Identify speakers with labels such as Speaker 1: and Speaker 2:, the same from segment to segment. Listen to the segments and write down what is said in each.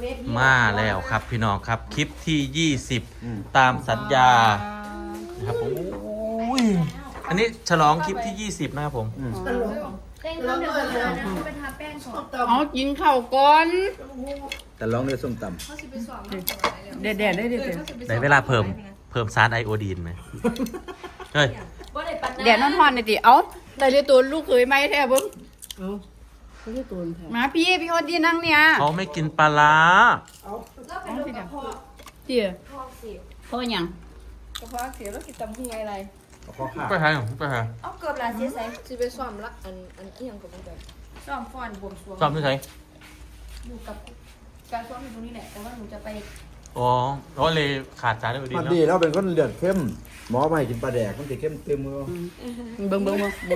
Speaker 1: มาแล้วครับพี่น้องครับคลิปที่20ตามสัญญาครับผมอุ้ยอันนี้ฉลองคลิปที่20นะครับผม
Speaker 2: เต้นข้าวเดี๋ยวไปทาแป้งก่อน
Speaker 3: เอากินข้าวก่อน
Speaker 4: แต่ร้องด้วยส้มตำ
Speaker 2: เขาสิไปสอน
Speaker 3: เด็ดได้เด็ด
Speaker 1: ได้เวลาเพิ่มสารไอโอดีนไหมเฮ้ย
Speaker 3: เดี๋ยวนอนทอนหน่อยดิเอาได้เลยตัวลูกเคยไหมแท้เบิ้ง
Speaker 5: ไม่ใช่ตัวแทน
Speaker 3: มาพี่โอดีนั่งเนี่ย
Speaker 1: เขาไม่กินปลาร้า
Speaker 2: แล้วเป็นกระเพาะ
Speaker 3: เตี๋ย
Speaker 2: ท้องเสีย
Speaker 3: เพราะหยัง
Speaker 5: กระเพาะเสียแล้วกินตำพุงอะไร
Speaker 1: ไปหาไปหา
Speaker 2: เอาเกือบลาเสียใส่สิไปซ้อมละอันที่ยังกับมันแบบซ้อมฟ้อนบวงสรวง
Speaker 1: ชอบที่ไหน
Speaker 2: อยู่กับการซ้อมอยู่ตรงนี้แหละแต่ว่าหนูจะไป
Speaker 1: อ๋อเขาเลยขาดสารไอโอดีน
Speaker 4: มัน
Speaker 1: เนาะ
Speaker 4: ดีแล้วเป็นคนเลือดเข้มหมอมาให้กินปลาแดกมันจะเข้มเต็มมือ
Speaker 3: เบิ้ง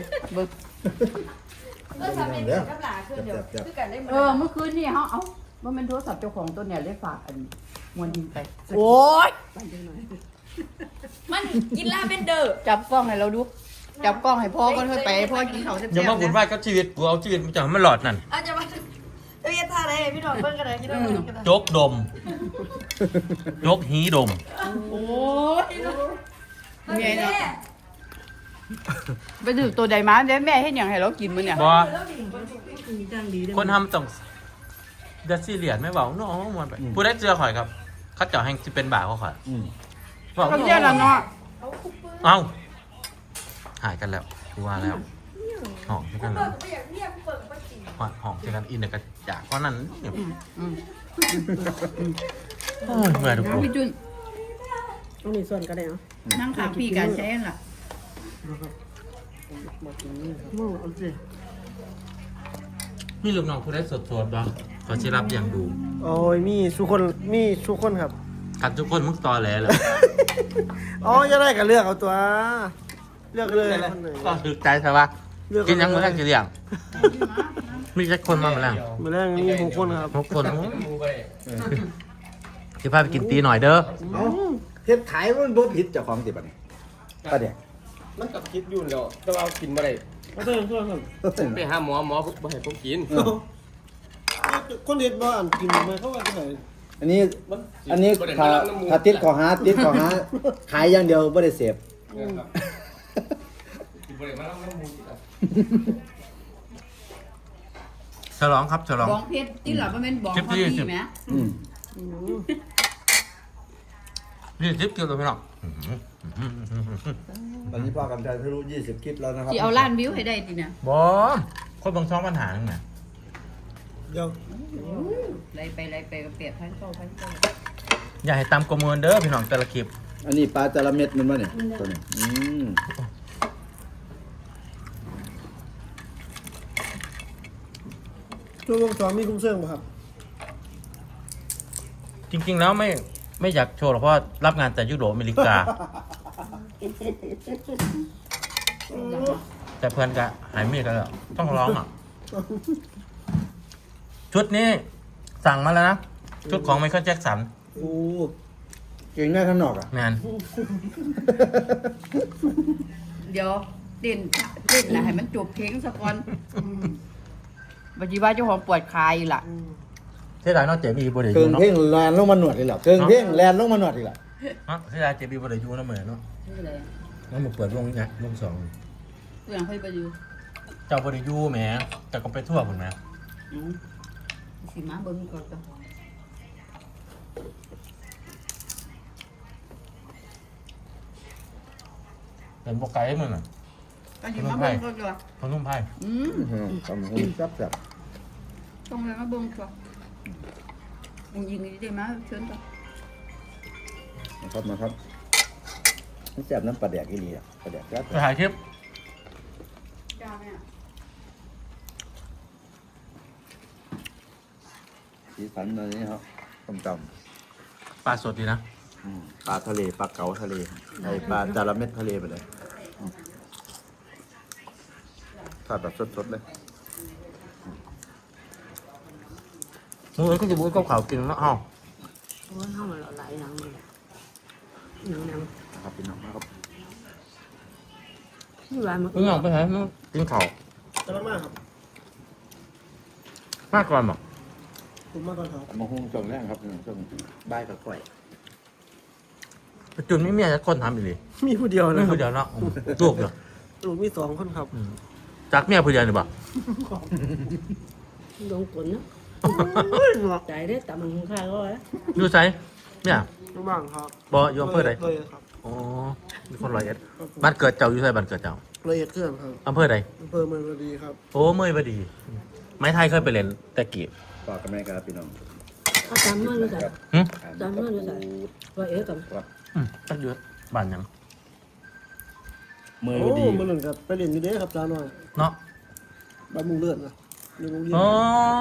Speaker 2: ก็ทำเป็นกับหลาคือเดี๋ยวคือกันได้เหมือน
Speaker 3: เมื่อคืนนี่เขาเอาว่ามันโทรศัพท์เจ้าของตัวเนี่ยเลยฝากอันมวนยิงไป
Speaker 5: โอ้ย
Speaker 2: มันกินลาเบนเดอร์
Speaker 3: จับกล้องให้เราดูจับกล้องให้พ่อก็ค่อยไปพ่อกินข้าวแซ่บ
Speaker 1: อย่ามาบุญไหว้กับชีวิตกูเอาชีวิตมันจะให้มันหลอดนั่น
Speaker 2: อาจจะมาเอ้ยท่าอะไรพี่น้องเพิ่งกันเลยพี่น้องเพิ่งกัน
Speaker 1: โจกดมโจกหีดม
Speaker 3: โอ้ยเมียเนาะไปถือตัวใดมาเดี๋ยวแม่ให้อย่างให้เรากินมื้อเนี่ย
Speaker 1: บอ
Speaker 5: จ้างดีได้
Speaker 1: คนทำต้องดัซซี่เหรียญไม่บอกน้องมันไปผู้ได้เจอข่อยครับเขาเจาะแห่งจะเป็นบ่าเขาข่อยบอก
Speaker 3: เขาเรียกแล้วเนาะ
Speaker 1: เอ้าหายกันแล้วกูว่าแล้วหอมที่กัน
Speaker 2: เปิ
Speaker 1: แล้ว
Speaker 2: ดไม่อยากเรียกเปิดก็จริง
Speaker 1: หอมที่กันอินเดียก็อยากเพราะนั้นเนี่ยโอ้ยเมื่อยทุกคน
Speaker 3: พี่จุน
Speaker 5: ต้องมีส่วนก็ได้เนาะ
Speaker 3: นั่งขาพี่การใช้นั่นล่ะ
Speaker 5: มั่งเอาสิ
Speaker 1: มีลูกน้องผู้ได้สดๆบ้างขอชิรับอย่างดู
Speaker 6: โอ้ยมีสุคนครับ
Speaker 1: กันทุกคนมึงตอแหลเลย
Speaker 6: อ๋อจะได้กับเลือกเอาตัว เลือกเลยคนไหน
Speaker 1: ก็ถึกใจใช่ปะกินยังมื้อแรกกินอย่างมีแค่คนมาเมื่อไหร่
Speaker 6: มาแรกมี6 คนครับ
Speaker 1: 6 คนที่พาไปกินตีหน่อยเด้อ
Speaker 4: เอ้าเฮ็ดขายมันบ่ผิดเจ้าของติบัดนี้ปลาแดก
Speaker 7: มันกับคิดอยู่แล้วแต่ว่ากินบ่ได้
Speaker 6: เอาเถอะครับ
Speaker 7: ไปหาหมอบ่ให้ผมกิน
Speaker 6: คนเด็ดบ้านกินมาเข้ามาที่ไหน
Speaker 4: อันนี้ถ้าติดขอหาขายอย่างเดียวบ่ได้เสพ
Speaker 7: นะครับกินบ่ได้มาแล้วมูกิน
Speaker 1: ฉลองครับฉลอง
Speaker 3: บ้องเพชรที่หลับว่าเป็นบ้อง
Speaker 1: คลิป
Speaker 3: พอ
Speaker 1: ที่
Speaker 3: ดี
Speaker 1: 20
Speaker 3: ไหม
Speaker 1: นี่ทิปเกี่ยวกับพี่น้อง
Speaker 4: ตอนนี้พ่อกำชัยทะลุ20คลิปแล้วนะครับ
Speaker 3: ที่เอาล้านวิวให้ได้ดิเนี่ย
Speaker 1: บอคนบางช่องปัญหาหนึ่งนะ
Speaker 6: เดี๋ยว
Speaker 3: ไล่ไปก็เปรียบพันเข้า
Speaker 1: อย่าให้ตามกระมวลเด้อพี่น้องแต่ละคลิป
Speaker 4: อันนี้ปลาจระเม็ดมันบ่เนี่ยตัวนี้
Speaker 6: ช่วงวงจรมีคุ้มเสื่องป่ะครับ
Speaker 1: จริงๆแล้วไม่อยากโชว์หรอกเพราะว่ารับงานแต่ยุโรปอเมริกา แต่เพื่อนก็หายเมียกันแล้วต้องร้องอ่ะ ชุดนี้สั่งมาแล้วนะ ชุดของไมเคิลแจ็คสัน
Speaker 4: โอ้เก่งได้ข้างนอกอ่ะ
Speaker 1: แมน
Speaker 3: เดี๋ยวเต้นนะให้มันจบเพลงสักก่อนบัดนี้ว่าเจ้าของปวดคายอยู่ล่ะ
Speaker 1: เสียดายเนอกเจบีบริ
Speaker 4: เค
Speaker 1: ยู
Speaker 4: รื่อง
Speaker 1: เนาะ
Speaker 4: เพ่งแลนลงมาหนวดอีกแล้วเครื่องเพ่งแลนลงมาหนวดอีกแล้ว
Speaker 1: เสียดายเจบีบริยูนะเหมือนเนาะ
Speaker 3: นี่อะไร
Speaker 1: แล้วมาเปิดวงเนี่ยวงสอง
Speaker 3: เพื่อนค่อยไปดู
Speaker 1: เจ้าบริยูแหมแต่ก็ไปทั่วผมนะ
Speaker 3: สิมาเบิ้งก่อนก็
Speaker 1: เป็นพวกไก่มึงอ่ะ
Speaker 3: สิมาเบิ้งก่อนก็
Speaker 1: คนนุ่มไพ่
Speaker 4: ทำหุ่นจับ
Speaker 3: ต้องเลยมาเบิ้งก่อนยิงนี่ได้มาเชิญก่อน
Speaker 4: นะครับนี่แซ่บน้ำปลาแดกอีหลีอ่ะปลาแดกแซ่บ
Speaker 1: ไปถ่ายคลิป
Speaker 3: จ้าแม่
Speaker 4: สีสันอะไรนี่ครับต้มต
Speaker 1: ปลาสดดีนะ
Speaker 4: ำปลาทะเลปลาเก๋าทะเลไอปลาจาระเม็ดทะเลไปเลยทอดแบบสดๆเลย
Speaker 1: มึงก็จะบุ้ยกับเขากินแล้วอ้าว
Speaker 5: โอ้ยเข้ามาหลายหนังเลยหนัง
Speaker 4: นะครับพี่น้องนะครับ
Speaker 5: นี่ว่ามัน
Speaker 1: มึงออกไปไหนมึงกินเขา
Speaker 6: จะมากครับ
Speaker 1: มากก่อนบอก
Speaker 6: มผมมาก่อนครับ
Speaker 4: มาหุ้งช่วงแรกครับช่วงบ่ายกับก้อย
Speaker 1: จุนไม่มีอะไรคนทำอีกเลย
Speaker 6: มีผู้เดียว
Speaker 1: ไม่
Speaker 6: นะครั
Speaker 1: ผู้เดียวเนาะลูกเนาะ
Speaker 6: ลูกมี2 คนครับ
Speaker 1: จากเมียผู้เดียวหรือเปล่า
Speaker 5: ลงกลนะ ใจได้ต่ำค่าก็แล้ว
Speaker 1: อยู่ไสเนี่ย
Speaker 6: ระหว่างครับ
Speaker 1: บ่อยู่อำเภอใด
Speaker 6: เลยครับ
Speaker 1: อ๋อมีคนร้อยเอ็ดบ้านเกิดเจ้าอยู่ไสบ้านเกิดเจ้า
Speaker 6: ละเอียดเครื่องครับ
Speaker 1: อำเภอใด
Speaker 6: อำเภอเมืองระดีครับ
Speaker 1: โอ้เมื่อยพอดี ไม้ไทยเคยไปเล่นแต่กี้
Speaker 4: ฝากกับแม่ครับพี่น้อง
Speaker 5: เขาจำมาด้วยกัน
Speaker 1: หึ
Speaker 5: จำมาด้วยกันว่ากับ
Speaker 1: ตักเดือดบ้านหยัง
Speaker 4: มือ
Speaker 6: โอ้
Speaker 4: ดี
Speaker 6: มันหนึ่งกับไปเรียนอยู่เด้ครับจ้าหน่อย
Speaker 1: เนาะ
Speaker 6: บ้านมุงเลือดนะในโรงเรียน
Speaker 1: อ๋อ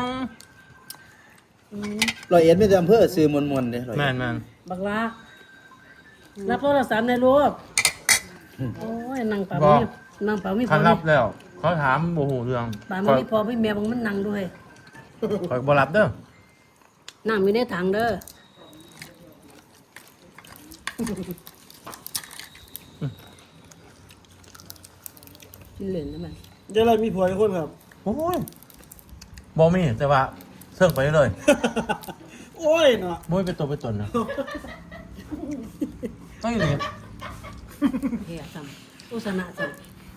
Speaker 4: ร้อยเอ็ดไม่ใช่อำเภอซื้อมวลๆเด้ร้อย
Speaker 1: แม่
Speaker 4: เอ็ด
Speaker 1: นแม่น
Speaker 5: บักลารับโทรศัพท์ในรูปโอ้ยนั่งเปล่าไม่นั่งเปล่าไม่พ
Speaker 1: คั
Speaker 5: อน
Speaker 1: รับแล้ว เขาถามโอ้โหเรื่อง
Speaker 5: ป่าไม่พอไม่เมียบังมันนั่งด้วย
Speaker 1: คอยบ่รับเด้อ
Speaker 5: นั่งไม่ได้ถังเด้อกินเหรียญได้ไหม
Speaker 6: เดี๋ยวเรามีผัวอีกคนครับ
Speaker 1: โอ้ยบ่มีแต่ว่าเสิ่งไปเลย
Speaker 6: โอ้ยเนาะ
Speaker 1: บ่มีเป็นตัวเป็นตนนะต้องอย่างนี้
Speaker 5: เฮียซ้ำอุสนะซ้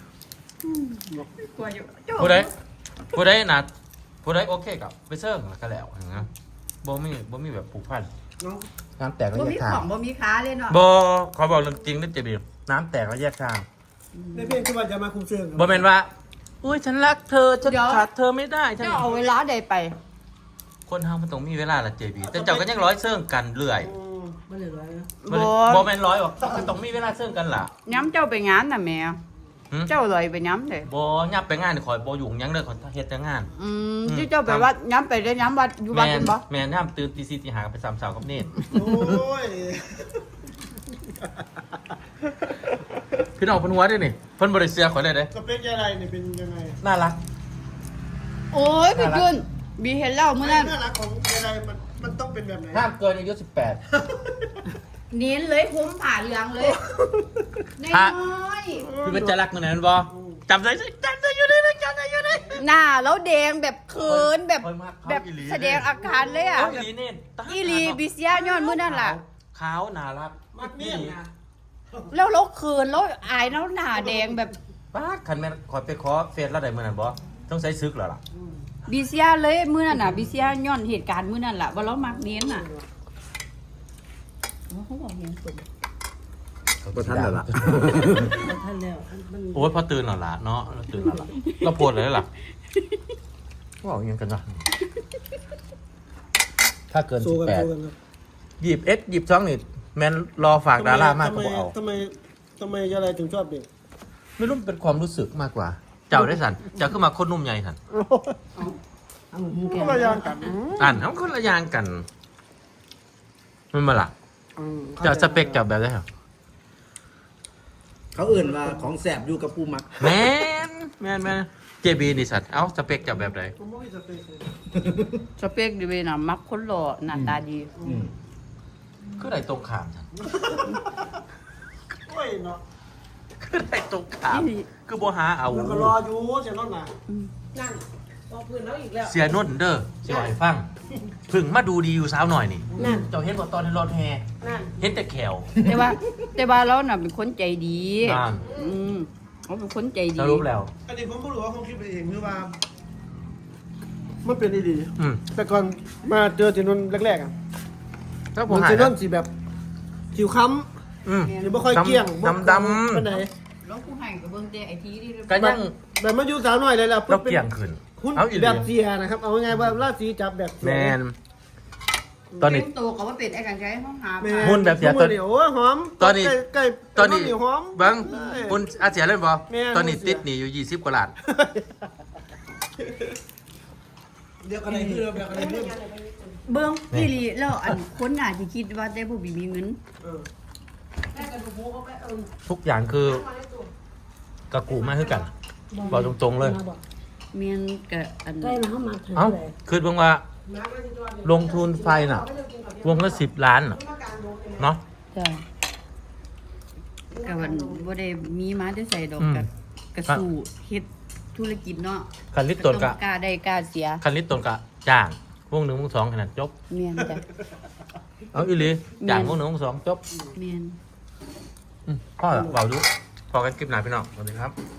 Speaker 3: กลัวอยู่
Speaker 1: ผู้ใดนะผู้ใดโอเคกับไปเสิ่งแล้วก็แล้วอย่างเงี้ยบ่มีแบบผูกพัน
Speaker 6: เนาะ
Speaker 1: น้ำแตกแล้ว
Speaker 3: บ่
Speaker 1: แย
Speaker 3: มี
Speaker 1: ก
Speaker 3: ข
Speaker 1: ทา
Speaker 3: อง งบ่มีขาเลยเนาะ
Speaker 1: บ่ขอบอกเรื่องจริงนี่เจ็บดีน้ำแตกแล้วแยกทาง
Speaker 6: ในเพลงที่ว่าจะมาคุมเชิงครับ
Speaker 1: บ่แม่นว่าอุ้ยฉันรักเธอฉันขาดเธอไม่ได้ฉัน
Speaker 3: เจ้าเอาเวลาใดไป
Speaker 1: คนเฮามันต้องมีเวลาละเจบีแต่เจ้าก็ยังร้อยเสิ่งกันเรื่อย
Speaker 6: อืม
Speaker 5: ำไม่เหลืออะไรนะ
Speaker 1: บ่แม่นร้อยหรอกมันต้องมีเวลาเสิ่งกันล่ะ
Speaker 3: ย้ำเจ้าไปงานน่ะแม่
Speaker 1: หึ
Speaker 3: เจ้าเลยไปย้ำเด้
Speaker 1: บ่ยับไปงานนี่ข่อยบ่ยุ่งหยังเด้อข่อยเฮ็ดแต่งาน
Speaker 3: ที่เจ้าไปวัดย้ำไปได้ย้ำวัดอยู่วัดเป็นบ่
Speaker 1: แม่นห้ามตื่นตี4ตี5ไป3เช้ากับเนตร
Speaker 6: โอ้ย
Speaker 1: พี่น้องเพิ่นหัวเด้อนี่เพิ่นบ่ได้เสียข่อยเลยเด้
Speaker 6: สเปคอะไรเนี่ยเป็นยังไง
Speaker 1: น่ารัก
Speaker 3: โอ้ยพี่จุนบีเห็นแล้วมื้อนั้น
Speaker 6: น่ารักของอะไรมันต้องเป็นแบบไหน
Speaker 1: ห้ามเกินอายุ18
Speaker 3: เน้นเลยผมผ่าเหลืองเลยน้อย
Speaker 1: พี่เป็นใจรักมื้อนั้นบ่จำได้อยู่ได้จำได้อยู่ได้
Speaker 3: หน้าแล้วแดงแบบเขินแบบ
Speaker 1: ข่อยมักเขา
Speaker 3: แบบ
Speaker 1: อีหลี
Speaker 3: แสดงอาการเลยอ่ะ
Speaker 1: เอาอีหลีเน่น
Speaker 3: อีหลีบิเซียย้อนมื้อนั่นล่ะ
Speaker 1: ขาวน่ารัก
Speaker 6: มักเนี่ยนะ
Speaker 3: แล้วเราเขินแล้วอายแล้วหน้าแดงแบบ
Speaker 1: ป๊าดคันแม่นข่อยไปขอเฟซแล้วได้มื้อนั้นบ่ต้องใส่ซึกแล้วล่ะ
Speaker 3: บิเซียเลยมื้อนั่นน่ะบิเซียย้อนเหตุการณ์มื้อนั่นล่ะว่าเรามักเน้นน่ะเขาบอกเน้นคน
Speaker 4: ก็ทันแล้วล่ะ
Speaker 5: ท่านแล้วมัน
Speaker 1: โอ้ยพอตื่นแล้วล่ะเนาะเราตื่นแล้วล่ะเราโพดเลยล่ะว่าอย่างกันนะถ้าเกิน
Speaker 6: สู้กันสู้กันครับ
Speaker 1: 18 22นี่แม่นรอฝากดารามากก็บ่เอา
Speaker 6: ทำไมอะไรถึงชอบเด็ก
Speaker 1: ไม่รู้มันเป็นความรู้สึกมากกว่า เจ้าได้สันเจ้าขึ้นมาคนนุ่มใหญ่สัน
Speaker 5: เอาหมูแก
Speaker 6: ก็ระยางกัน
Speaker 1: อ่านเขาคนละอย่างกันมันมาละเจ้าสเปคเจ้าแบบได้เหรอ
Speaker 4: เขาเอื่นว่าของแสบอยู่กับผู้มัก
Speaker 1: แม่นเจบีนี่สัตว์เอ้าสเปคเจ้าแบบไหน
Speaker 6: ผมไม่มีสเปคเลย
Speaker 3: สเปกดีเวยน่ะมักคนหล่อหน้าตาดี
Speaker 1: คือไรตรงขามสัน
Speaker 6: โอ้ยเนาะ
Speaker 1: คือไรตรงขามคือโบหาเอา
Speaker 6: แล้วก็รออยู่เสียรถหนา
Speaker 2: นั่นออกพื้นแล้วอีกแล้ว
Speaker 1: เสียนุ่นเด้อเสียไหวฟังเพึ่งมาดูดีอยู่สาวหน่อยนี่
Speaker 5: นั่น
Speaker 1: เจ้าเห็นว่าตอนในรถแฮ
Speaker 2: นั่น
Speaker 1: เห็นแต่แขว
Speaker 3: แต่ว่าเราน่ะเป็นคนใจดี
Speaker 1: นั่น
Speaker 3: เขาเป็นคนใจดี
Speaker 1: สรุปแล้ว
Speaker 6: อันนี้ผมไม่รู้ว่าผมคิดไปเองหรือว่ามันเป็นดี
Speaker 1: อืม
Speaker 6: แต่ก่อนมาเจอเจนนแรกๆอ่ะ
Speaker 1: แล้วผ
Speaker 6: ผม ม
Speaker 1: หาย
Speaker 6: เจน
Speaker 1: แล้ว
Speaker 6: นสีแบบผิวค้
Speaker 1: อืม
Speaker 6: ำหรือไม่ค่อยเกลี้ยง
Speaker 1: ดำ
Speaker 6: เป็นไหน
Speaker 3: แล้วกูให้กับเบิ่งแต่ไอทีนี่
Speaker 1: ก็ยัง
Speaker 6: แบบมาอยู่สาวหน่อยเลยล่ะ
Speaker 1: เราเกี่ยงขึ้น
Speaker 6: หุ้น
Speaker 1: เอาอีก
Speaker 6: แบ
Speaker 1: แล้ว
Speaker 6: บเสียนะครับเอาง่ายๆว่าราศีจับแบบเสี
Speaker 1: แม
Speaker 6: ย
Speaker 1: นตอนนี้
Speaker 3: โตก็ว่าเป็นไอ้กันใช้ห้องหา
Speaker 6: แม่
Speaker 1: หุ้นแบบเสีย
Speaker 6: หุ้นเหนียวโอ้ยหอม
Speaker 1: ตอนนี้
Speaker 6: ใกล้
Speaker 1: ตอนนี้
Speaker 6: เหนียวหอม
Speaker 1: เบัง
Speaker 6: เอ้ย
Speaker 1: คุณอาเสียเล่นบ่
Speaker 6: แม่น
Speaker 1: ตอนนี้
Speaker 6: เสีย
Speaker 1: ติดหนีอยู่20 กว่าล้าน
Speaker 6: เดี๋ยวกันเลยคือเดี๋ยวกันเลยคือ
Speaker 3: เบิ่งพี่ลีแล้วอันคนน่ะที่คิดว่าแต่ผู้มีเงิน
Speaker 6: เออ
Speaker 1: ทุกอย่างคือกระกูมาคือกันบอกตรงๆเลย
Speaker 3: เมียนกับอัน
Speaker 5: ใกล้มาเข้ามาถึง
Speaker 1: เอ้า
Speaker 5: เลย
Speaker 1: คือเบิ่งว่าลงทุนไฟน่ะวงละ10 ล้านน่ะเนาะ
Speaker 3: จ้ะกับวันบ่ได้มีมาได้ใส่ดอก
Speaker 1: อืม
Speaker 3: กระสู้เฮ็ดธุรกิจเนาะ
Speaker 1: คันลิตรตนกะ
Speaker 3: ต้องกล้าได้กล้าเสีย
Speaker 1: คันลิตรตนกะจ้างวงหนึ่งวงสองขนาดจบ
Speaker 3: เมียนจ้ะ
Speaker 1: เอาอีหลีจางวงหนึ่งวงสองจบ
Speaker 3: เมียน
Speaker 1: พ่อเบาดูพอกันคลิปหนาพี่น้องสวัสดีครับ